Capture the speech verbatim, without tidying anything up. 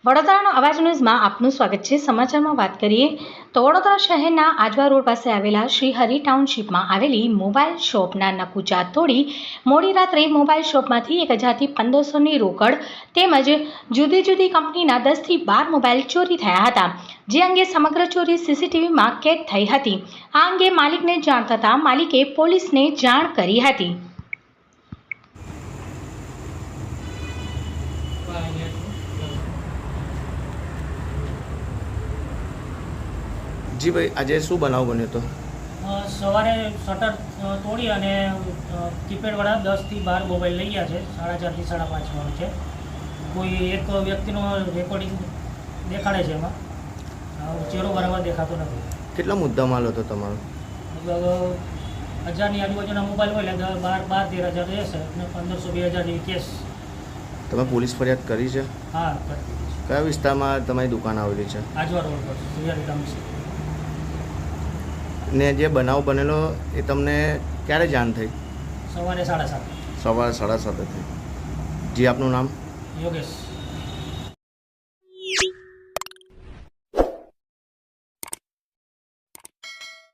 વડોદરાનો અવાજ ન્યૂઝમાં આપનું સ્વાગત છે। સમાચારમાં વાત કરીએ તો વડોદરા શહેરના આજવા રોડ પાસે આવેલા શ્રીહરિ ટાઉનશીપમાં આવેલી મોબાઈલ શોપના નકુચા તોડી મોડી રાત્રે મોબાઈલ શોપમાંથી એક હજારથી પંદરસોની રોકડ તેમજ જુદી જુદી કંપનીના દસથી બાર મોબાઈલ ચોરી થયા હતા, જે અંગે સમગ્ર ચોરી સીસીટીવીમાં કેદ થઈ હતી। આ અંગે માલિકને જાણ થતાં માલિકે પોલીસને જાણ કરી હતી। જી ભાઈ, આજે શું બનાવ બન્યો હતો? સવારે શટર તોડી અને કીપેડવાળા દસથી બાર મોબાઈલ લઈ ગયા છે। સાડા ચારથી સાડા પાંચ વાળો છે। કોઈ એક વ્યક્તિનો રેકોર્ડિંગ દેખાડે છે, એમાં ચહેરો બરાબર દેખાતો નથી। કેટલા મુદ્દા માલ હતો તમારો? લગભગ હજારની આજુબાજુના મોબાઈલ હોય એટલે બાર બાર તેર હજાર રહેશે અને પંદરસો બે હજાર જેવી કેસ। તમે પોલીસ ફરિયાદ કરી છે? હા, કરી દીધી છે। કયા વિસ્તારમાં તમારી દુકાન આવેલી છે? આજવા રોડ પર શ્રીહરિ ટાઉનશીપ। ને જે બનાવ બનેલો એ તમને ક્યારે જાણ થઈ? સવારે સાડા સાત। સવારે સાડા સાતે થઈ। જી, આપનું નામ? યોગેશ।